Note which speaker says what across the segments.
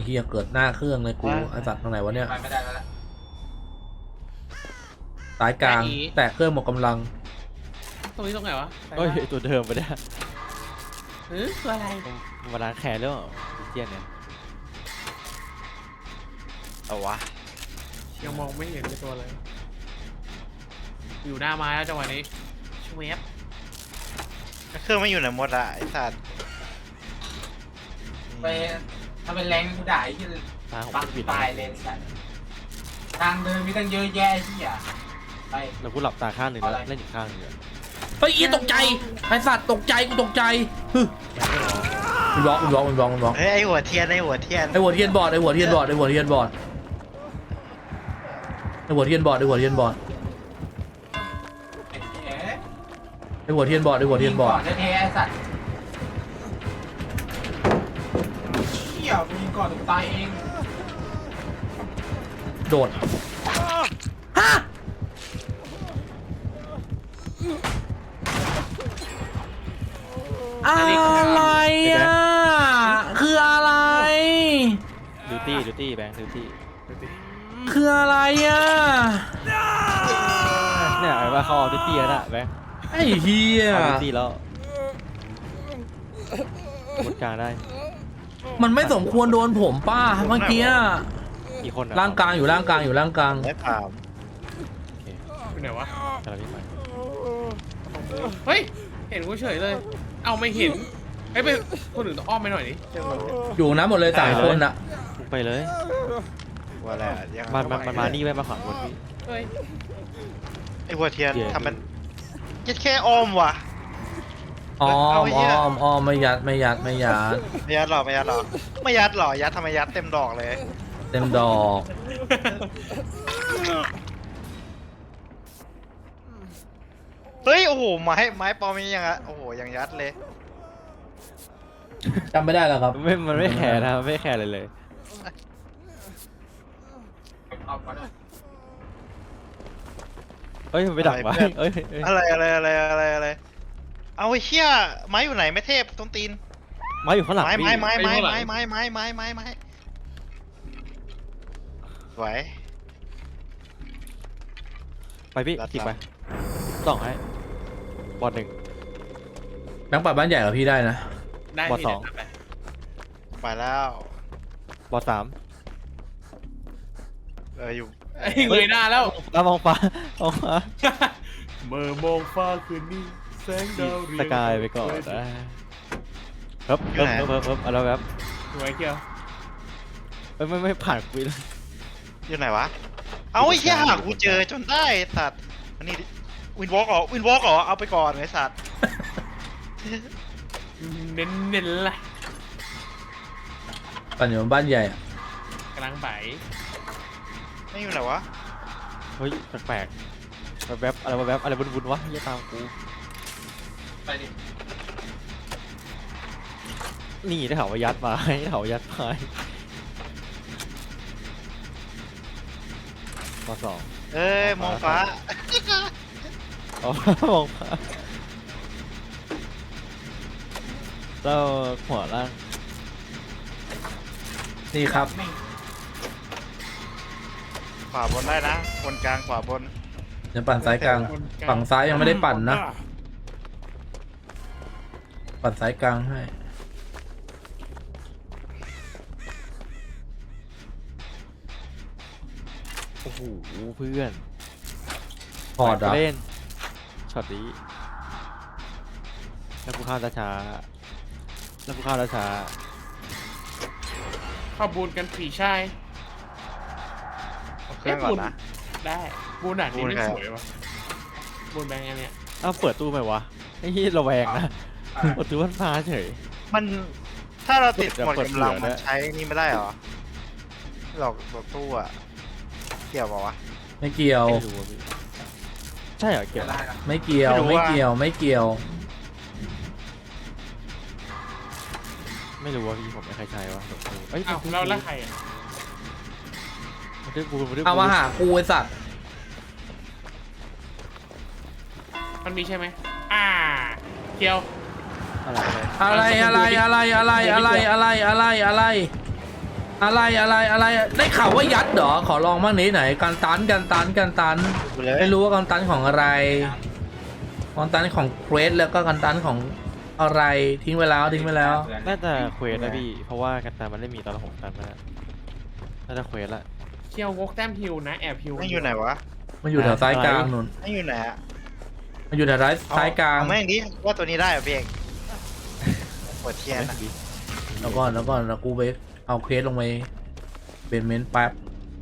Speaker 1: ฮียเกิดหน้าเครื่องเลยกูไอ้สัตว์ตรงไหนวะเนี่ย
Speaker 2: ไม่ได้แล้วละ
Speaker 1: สายกลางแตะเครื่องหมดกำลัง
Speaker 3: ตรงนี้ตรงไหนวะ
Speaker 4: เฮ้ยตัวเดิมไปได้
Speaker 3: ตัวอะไร
Speaker 4: มาล้างแขนแล้วเจียนเนี่ย
Speaker 5: เอาวะ
Speaker 3: ยังมองไม่เห็นเป็นตัวอะไรอยู่หน้าไม้แล้วจังหวะนี้ชเวฟ
Speaker 5: เครื่องไม่อยู่ไหนหมดอะไอ้สัตว์
Speaker 2: ไปถ้าเป็นแรงกูด่าไอ้ที่ปักตายเลยสัตว์ทางเดินมีตั้งเยอะแยะที่อ่ะไป
Speaker 4: แล้วกูหลับตาข้างหนึ่งแล้วเล่นอีกข้างหนึ่ง
Speaker 1: เฮ้ยตกใจไอ้สัตว์ตกใจกูตกใจมันร้อง
Speaker 5: เฮ้ยไอ้หัวเทียนไอ้หัวเทียน
Speaker 1: ไอ้หัวเทียนบอดไอ้หัวเทียนบอดไอ้หัวเทียนบอดไอ้หัวเทียนบอดไอ้หัวเทียนบอดไอ้หัวเทียนบอดไอ้หัวเทียนบอด
Speaker 2: แท้ๆสัตว์เชี่ยมีก่อนตายเอง
Speaker 1: โดดฮะอะไรอ่ะคืออะไร
Speaker 4: ดูตี้แบงค์ดูตี้
Speaker 1: คืออะไรอ่ะ
Speaker 4: เนี่ยไอ้ว่าเขาเอาดูตี้แล้วนะแบงค์
Speaker 1: ไอ้เหี้ย
Speaker 4: เอาดูตี้แล้วหมดกลางได้
Speaker 1: มันไม่สมควรโดนผมป้าเมื่อกี้
Speaker 4: กี่คน
Speaker 1: ร่างกลางอยู่ร่างกลาง
Speaker 5: ไม่ถาม
Speaker 3: เป็นไหนวะ
Speaker 4: กำลังวิ่งไป
Speaker 3: เฮ้ยเห็นกูเฉยเลยเอาไม่เห็นไอ้ไปคนอื่นต้องอ้อมไปหน่อยดิ
Speaker 1: อยู่นะหมดเลย3 คนอะ
Speaker 4: ไปเลย
Speaker 5: ว่าอะไร
Speaker 4: มันมานี่ไว้มาขวางบนพี่
Speaker 5: ไอ้หัวเทียนทำมันแค่อ้อมว่ะ
Speaker 1: อ้อมไม่ยัดยัด
Speaker 5: หรอยัดทำไมยัดเต็มดอกเลย
Speaker 1: เต็มดอก
Speaker 5: เฮ้ยโอ้โหไม้ปอมียังอะโอ้โหยังยัดเลย
Speaker 1: จำไม่ได้แล้วครับ
Speaker 4: มันไม่แคร์นะไม่แคร์เลยเฮ้ยมันไปดักไว้เฮ้ย
Speaker 5: อะไรเอาไอ้เชี่ยไม้อยู่ไหนไม่เทพต้นตีน
Speaker 4: ไม้อยู่ข้างหลัง
Speaker 5: ไม้ไหว
Speaker 4: ไปพี่จิกไปส่องให้บอล1
Speaker 1: แบงค์ปัดบ้านใหญ่กับพี่ได้นะ
Speaker 4: บอล2
Speaker 5: ไปแล้ว
Speaker 4: บอล3
Speaker 5: อยู่
Speaker 3: เงยหน้าแล้ว
Speaker 4: มองฟ้า
Speaker 3: เมื่อมองฟ้าคืนนี้แสงดาวเรือง
Speaker 4: สกายไปก่อนครับอะไรแบบ
Speaker 3: สวยเกี่ยว
Speaker 4: ไม่ผ่านกูเลย
Speaker 5: อยู่ไหนวะเอาไอ้เหี้ยหากูเจอจนได้สัตว์อันนี้วินวอล์กเหรอเอาไปก่อนไอ้สัตว์
Speaker 3: เน้นละ
Speaker 1: ปั่นอยู่บ้านใหญ่
Speaker 3: กำลังไป
Speaker 5: ไม่อยู่ไหนวะ
Speaker 4: เฮ้ยแปลกแบบอะไรบุญวะอย่าตามกู
Speaker 2: ไปดิ
Speaker 4: นี่ได้ข่าวว่ายัดมาได้ข่าวว่ายัดมาข้อ2
Speaker 5: มองฟ้า
Speaker 4: อ๋อมองฟ้าแล้วหัวล่าง
Speaker 1: นี่ครับ
Speaker 5: ขวาบนได้นะบนกลางขวาบน
Speaker 1: จะปั่นซ้ายกลางฝั่งซ้ายยังไม่ได้ปั่นนะปั่นซ้ายกลางให้
Speaker 4: โอ้โหเพื่อน
Speaker 1: พอด
Speaker 4: เล่นช็อตนี้แล้วกูข้าวช้า
Speaker 3: ข้าบูนกันผีชาย
Speaker 5: เครื่องก่อนนะ
Speaker 3: ได้บูนหนักนี่ไม่สวยวะบูนแบงค์อันเนี้ย
Speaker 4: เปิดตู้ไหมวะไอ้ที่ระแวงนะเปิดตู้มันพาเฉย
Speaker 5: มันถ้าเราติดหมดกำลังมันใช้นี่ไม่ได้หรอหลอกตู้อะเกี่ยวป่าวะ
Speaker 1: ไม่เกี่ยว
Speaker 4: ใช่เหรอเกี่ยว
Speaker 1: ไม่เกี่ยวไม่
Speaker 4: รู้ว่าพี่ผมไม่ใครใช้วะ
Speaker 3: เอ้ยเราแล้วใครอ่ะ
Speaker 1: เอามาหากูไอ้สัตว์
Speaker 3: มันมีใช่ไหมเกี่ยว
Speaker 1: อะไรอะไรได้ข่าวว่ายัดเหรอขอลองบ้างนี้ไหนการตัน
Speaker 5: ดูเลย
Speaker 1: ไม่รู้ว่าการตันของอะไรการตันของเควสแล้วก็การตันของอะไรทิ้งไปแล้ว
Speaker 4: น่าจะเควสนะพี่เพราะว่ากันตามันไม่มีตอนผมตันมาน่าจะเควสละ
Speaker 3: เคียววกแต้มฮิวนะแอบฮิว
Speaker 5: ไม่อยู่ไหนวะ
Speaker 1: มันอยู่แถวซ้ายกลางนู่น
Speaker 5: ไม่อยู่ไหนอะ
Speaker 1: มันอยู่แถวซ้ายกลาง
Speaker 5: เอาแม่งดิว่าตัวนี้ได้เหรอพี่เอกปวดเทียนอะ
Speaker 1: แล้วก็แล้วกูไปเอาเควสลงไปเบนเมนต์แป๊บ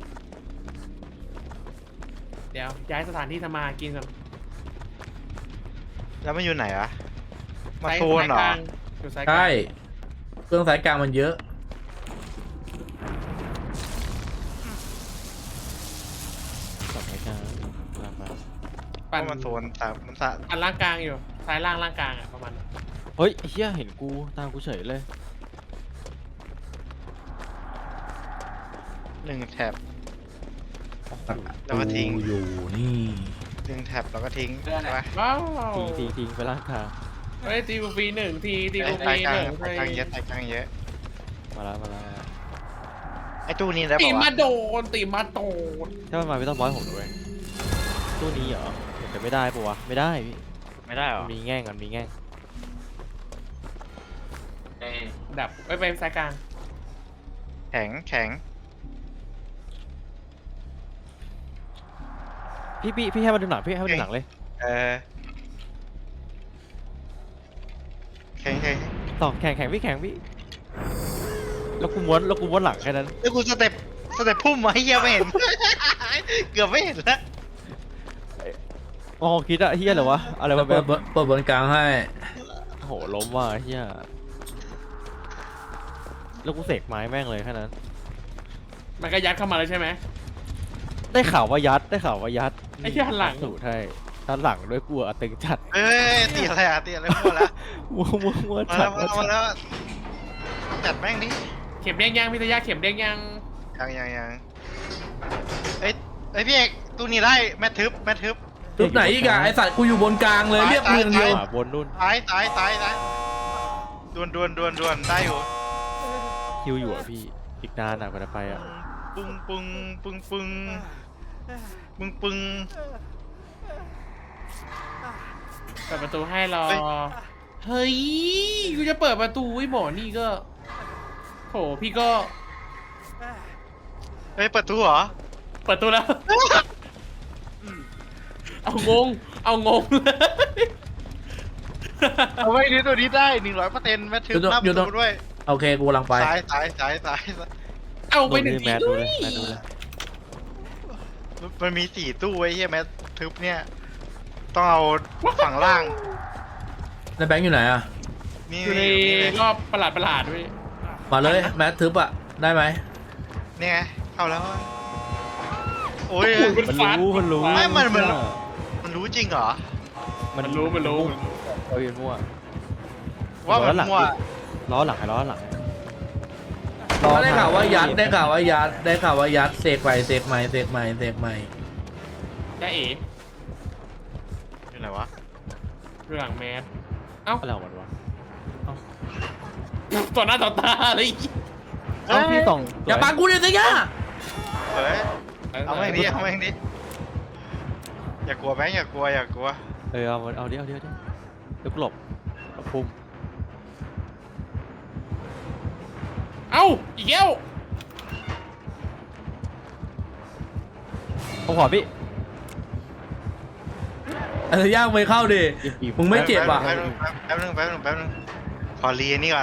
Speaker 3: เดี๋ยวย้ายสถานที่ทำมาหากินก่อน
Speaker 5: แล้วมันอยู่ไหนอะมา
Speaker 3: ซ้าย
Speaker 5: โซนเหร
Speaker 3: ซ้ายก
Speaker 5: อ
Speaker 3: ลางอยู่ซ้ายกลาง
Speaker 1: ใช่เครื่องซ้ายกลางมันเยอะ
Speaker 4: สับไม้กลางลากมา
Speaker 3: ปั่น
Speaker 5: มันโซนแต่มันสะ
Speaker 3: ปั่นล่างกลางอยู่ซ้ายล่างล่างกลางอ่ะประมาณนั้น
Speaker 4: เฮ้ยเฮียเห็นกูตามกูเฉยเลย
Speaker 5: 1 แท็บ แล้วก็ทิ้ง
Speaker 1: กูอยู่นี่
Speaker 5: 1 แท็บแล้วก็ทิ้งใช่ปะ
Speaker 3: ว้าว
Speaker 4: ทิ้งไปล่างทาง
Speaker 3: เฮ้ยตีกูฟรีหนึ่งทีตีกูฟ
Speaker 5: ไต่
Speaker 3: รี
Speaker 5: กลา
Speaker 3: ห
Speaker 5: ง
Speaker 3: นึ่ง
Speaker 5: ไต่กลางเยอะไต่กลางเยอะ
Speaker 4: มาแล้ว
Speaker 5: ไอ้ตู้นี้ได้
Speaker 3: ตี
Speaker 5: ป่าวะ
Speaker 3: มาโดนตีมาโดน
Speaker 4: ถ้ามันมาไม่ต้องบอยผมด้วยตู้นี้เหรอแต่ไม่ได้ปะวะไม่ได้พี่
Speaker 5: ไม่ได้เหรอ
Speaker 4: มันมีแง่งมันมีแง่ง
Speaker 2: เอ้ย
Speaker 3: ดับไปซ้ายกลาง
Speaker 5: แข็ง
Speaker 4: พี่ให้มาดูหนังพี่ให้มาดูหนังเลย
Speaker 5: เออแข็ง
Speaker 4: ต่อแข่งพี่แล้วกูม้วนหลังแค่นั้น
Speaker 5: แล้วกูสเต็ปพุ่มมาให้เฮียไม่เห็น เกือบไม่เห็นแล้ว
Speaker 4: อ๋อคิดอะเฮียเหรอวะอะไร
Speaker 1: แล้ว
Speaker 4: วะ
Speaker 1: เปิ
Speaker 4: แบ
Speaker 1: ด
Speaker 4: บ
Speaker 1: บนกลางให้
Speaker 4: โอ้โหล้มว่ะเฮียแล้วกูเสกไม้แม่งเลยแค่นั้น
Speaker 3: มันก็ยัดเข้ามาเลยใช่ไหม
Speaker 4: ได้ข่าวว่ายัด
Speaker 3: ไอ้เหี้ยหันหลัง
Speaker 4: สูตรให้ด้านหลังด้วยกูอะตึงจัด
Speaker 5: เอ้ยตีอะไรอะตีอะไรมั่วแล้ว
Speaker 4: มัว
Speaker 5: มา
Speaker 4: จั
Speaker 5: แล้
Speaker 4: ด
Speaker 5: วมาแล้วจัดแม่งดิ
Speaker 3: เข็มเด้งยังพิทยาเข็มเด้งยัง
Speaker 5: ยังเอ้ยพี่เอกตู้นี้ได้แม่ทึบ
Speaker 1: ทุบไหนอีกอะไอสัตว์กูอยู่บนกลางเลยเรียกมึงอย่างเดียว
Speaker 4: ขวาบนนู่น
Speaker 5: ตายดวนได้อยู่
Speaker 4: คิวอยู่อ่ะพี่อีกนานอ่ะกว่าจะไปอ่ะ
Speaker 5: ปึ้ง
Speaker 3: เปิดประตูให้รอ เฮ้ยกูจะเปิดประตูไอ้หมอนี่ก็โถพี่ก็
Speaker 5: เฮ้ยเปิดตู้เหรอ
Speaker 3: เปิดตู้แล้ว เอางงเลย
Speaker 5: เอาไว้นี่ตัวนี้ได้100%แม่ทึบหน้าประตูด้วย
Speaker 1: โอเคกูกำลังไป
Speaker 5: ซ้าย
Speaker 3: เอาไปหนึ่ง
Speaker 4: ดู
Speaker 3: ที
Speaker 4: แมทดูเลยแมทดูเลย
Speaker 5: มันมี4ตู้ไว้เฮียแม่ทึบเนี่ยต้องเอาฝั่งล่าง
Speaker 1: แล้วแบงค์อยู่ไหนอะ
Speaker 5: นี่
Speaker 3: อยู่ในรอบประหลาดด้วย
Speaker 1: มาเลยแมททึบอะได้ไหม
Speaker 5: นี่ไงเข้าแล้วโอ้ย
Speaker 4: มันรู้
Speaker 5: ไม่มันรู้จริงเหรอ
Speaker 3: มันรู้
Speaker 4: เอาอยู่มั่ว
Speaker 5: ว่ามันมั่ว
Speaker 4: ล้อหลังล้อหลัง
Speaker 1: ได้ข่าวว่ายัดเสกใหม่
Speaker 3: จ้าเอ๋
Speaker 5: อยู่ไหนวะ
Speaker 3: ดูหลังแมสเอ้า
Speaker 4: อะไรของมันวะ
Speaker 3: ต่อหน้าต่อตาเลย
Speaker 4: เอ้าพี่ต่อง
Speaker 1: อย่าปังกูเลยสิย่า
Speaker 5: เฮ้ยเอาแม่งดิอย่ากลัวแบงค์อย่ากลัว
Speaker 4: เอาดิเดี๋ยวหลบพุ่ม
Speaker 3: เอ้าอีกแล้ว
Speaker 4: เอาขวาพี่
Speaker 1: อะไรย่างไม่เข้าดิ มึงไม่เจ็บอ่ะ
Speaker 5: แป๊บนึงขอรีนี่ก่อน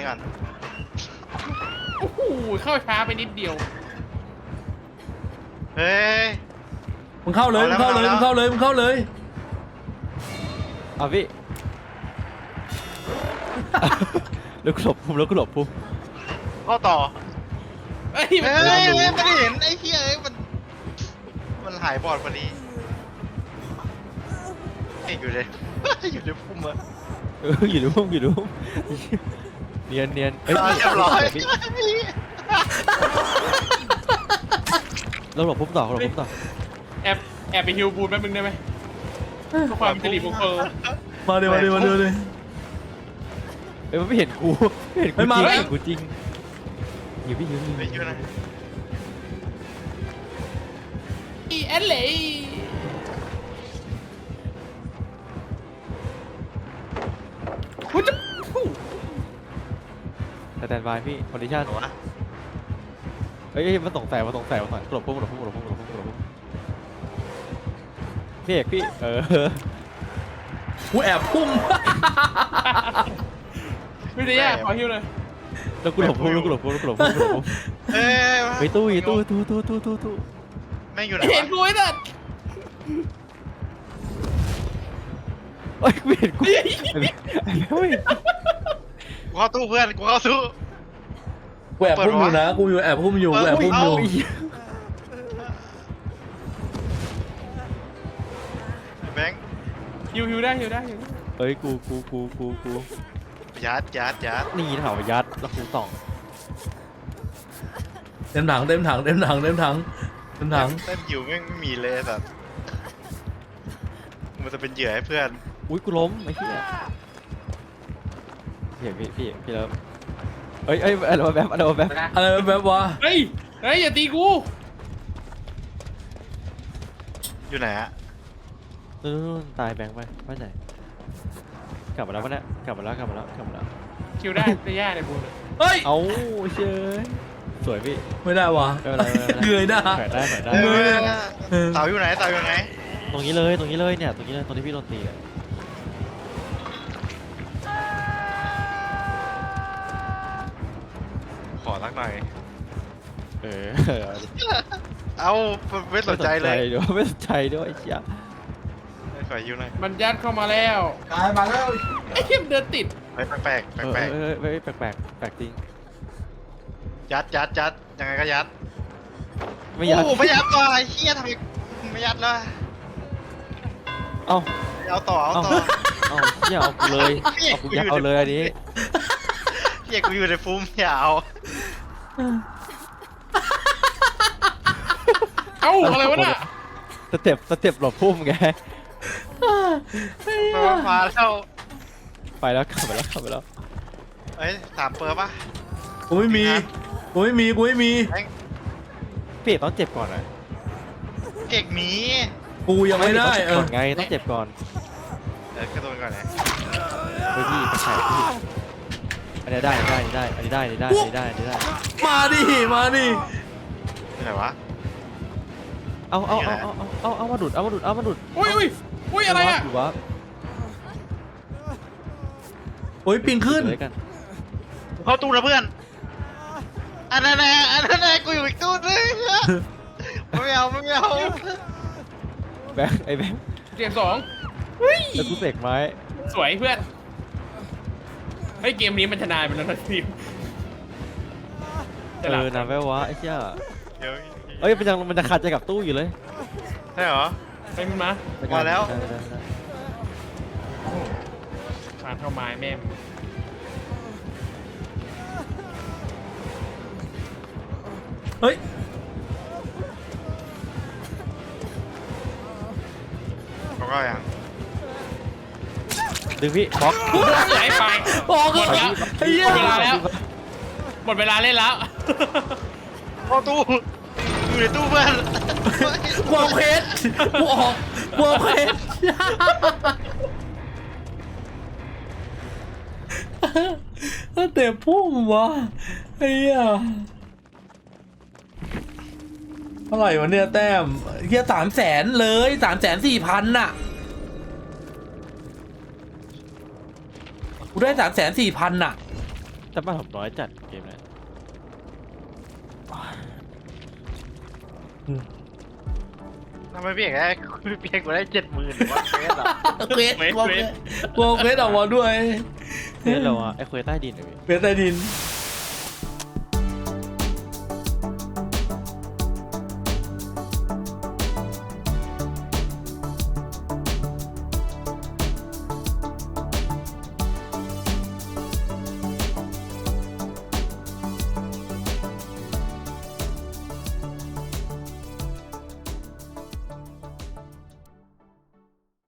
Speaker 3: โอ้โหเข้าช้าไปนิดเดียว
Speaker 5: เฮ้ย
Speaker 1: มึงเข้าเลย
Speaker 4: เอาพี่แล้วก็หลบพุ่ม
Speaker 5: เข้าต่อ
Speaker 3: เฮ้ย
Speaker 5: เฮ้ยไม่ได้เห็นไอ้เหี้ยมันหายบอดพอดีอยู่เลยอยู่ในพุ่มอะ
Speaker 4: อยู่ในพุ่มเนียนเอ้ย
Speaker 5: เรียบร้อย
Speaker 4: เราหลบพุ่มต่อ
Speaker 3: แอบไปฮิวบูนแป๊บนึงได้ไหมเพื่อความสิริมงคล
Speaker 1: มาเลย
Speaker 4: เอ้ยมันไม่เห็นกูจริงหิวพี่หิวหิว
Speaker 5: ไปอยู่นะ
Speaker 3: อีแอนเลยคุณจะ
Speaker 4: สแตนบายพี่คอนดิชั่น
Speaker 5: หัว
Speaker 4: เฮ้ยมันสงสัยกลบพุ่งพี่เอกพี่
Speaker 1: กูแอบพุ่ง
Speaker 3: วิทยาขอฮิวเลย
Speaker 4: แล้วกูหลบพุ่ง
Speaker 5: เอ้ย
Speaker 4: ไปตู้
Speaker 5: แม่งอยู่ไหน
Speaker 3: เห็น
Speaker 5: วะ
Speaker 3: กูไอ้นั่น
Speaker 4: เฮ้ยไม่เห็นกูเฮ้ย
Speaker 5: กูเข้าตู้เพื่อนกูเข้าตู้
Speaker 1: กูแอบพุ่งอยู่นะกูอยู่แอบพุ่งอยู่กูแอบพุ่งอยู่
Speaker 5: แบงค์
Speaker 3: ฮิวได้
Speaker 4: เฮ้ยกู
Speaker 5: ยัด
Speaker 4: นี่ถามว่ายัดแล้วกูส่อง
Speaker 1: เต็มถัง
Speaker 5: เต้นอยู่แม่งไม่มีเลยแบบมันจะเป็นเหยื่อให้เพื่อน
Speaker 4: อุ้ยกูล้มไอ้เหี้ยพี่แล้วเอ้ยอะไรวะแบบ
Speaker 1: อะไรแบบวะ
Speaker 3: เฮ้ยอย่าตีกู
Speaker 5: อยู่ไหนอะ
Speaker 4: นู่นตายแบงค์ไปไม่ใช่กลับมาแล้วปะเนี่ยกลับมาแล้ว
Speaker 3: คิวได้วิทยาในบูน
Speaker 1: เฮ้ย
Speaker 4: เอาเชยสวยพี่
Speaker 1: ไม่ได้วะ
Speaker 4: ไม่เป็นไร
Speaker 1: เงยหน้า
Speaker 4: แขวนได้
Speaker 5: เต่าอยู่ไหน
Speaker 4: ตรงนี้เลยเนี่ยตรงที่พี่โดนตีอะ
Speaker 5: ขอสักหน่อย
Speaker 4: เออ
Speaker 5: เอาไม่สนใจเลย
Speaker 4: ไม่สนใจด้วยไอ้เหี้ย
Speaker 5: ขออยู่หน่อย
Speaker 3: มันยัดเข้ามาแล้ว
Speaker 2: กายมาแล้ว
Speaker 3: ไอ้เข้มเดินติด
Speaker 5: แปลก
Speaker 4: แปลกจริง
Speaker 5: ยัดยังไงก็ยัด
Speaker 4: ไม่ยัด
Speaker 5: โอ้ไม่ยัดว่ะไอ้เหี้ยทำไมไม่ยัดล่ะ
Speaker 4: เอ้า
Speaker 5: เอาต่อ
Speaker 4: เหี้ยเอากูเลยเอาเลยอันนี้
Speaker 5: เหี้ยกูอยู่ในฟุ้มอย่าเอา
Speaker 3: เอ้าอะไรวะน่ะ
Speaker 4: สเต็ปหลบพุ่มไง
Speaker 5: มาแล้ว
Speaker 4: ไปแล้วกลับไปแล้ว
Speaker 5: เอ้ย3เปอร์ป่ะ
Speaker 1: กูไม่มี
Speaker 4: พี่เอกต้องเจ็บก่อนนะ
Speaker 5: เก่งหมี
Speaker 1: กูยังไม่ได้
Speaker 4: ก่อนไงต้องเจ็บก่อน
Speaker 5: กระโดดก่อนนะ
Speaker 4: เฮ้ยพี่แข่พี่อันนี้ได้อันนี้ได้
Speaker 1: มาดิ
Speaker 5: ไหนวะ
Speaker 4: เอามาดุด
Speaker 3: อุ้ยอะไรอ่ะ
Speaker 4: อยู่วะ
Speaker 1: โอ้ยปิงขึ้น
Speaker 4: เลยกัน
Speaker 5: เข้าตู้นะเพื่อนอันนั้นแน่กูอยู่อีกตู้นึงไม่เอา
Speaker 4: แบงค์ไอ้แบงค์
Speaker 3: เสียง2
Speaker 4: แล้วกูเสกไม้
Speaker 3: สวยเพื่อนเฮ้ยเกมนี้มันชนะไปแล้วนะทีม
Speaker 4: นำไว้วะไอ้เหี้ย
Speaker 5: เดี๋ยว
Speaker 4: เอ้ยมันจะขาดใจกับตู้อยู่เลย
Speaker 5: ใช่เหรอ
Speaker 3: ไปมึงมา
Speaker 5: มาแล้ว
Speaker 4: ได้
Speaker 3: ผ่านเข้าไม้แม่ม
Speaker 1: เฮ้ย
Speaker 5: เขาก็ยัง
Speaker 4: ดึงพี่บล็อก
Speaker 3: ไหลไป
Speaker 1: บอก
Speaker 3: หมดแล้ว
Speaker 1: ไอ้เหี้ย
Speaker 3: หมดเวลาแล้วหมดเวลาเล่นแล้ว
Speaker 5: เข้าตู้อยู่ในตู้เพื่อน
Speaker 1: กูเอาเพชรกูเอาเพชรถ้าเตะพุ่งวะไอ้เหี้ยเท่าไหร่วะเนี่ยแต้มเหี้ย300,000เลย340,000น่ะกูได้340,000น่ะ
Speaker 4: แต่บ้านผมน้อยจัดเกมนี้
Speaker 5: ทำไมพี่เอกได้เพียงกูได้70,000วะเฟสอ่ะ
Speaker 1: เควสกูเอาเควสออกมาด้วย
Speaker 4: เนี่ยเราอะไอ้เควสใต้ดินเหรอพี่
Speaker 1: เควสใต้ดิน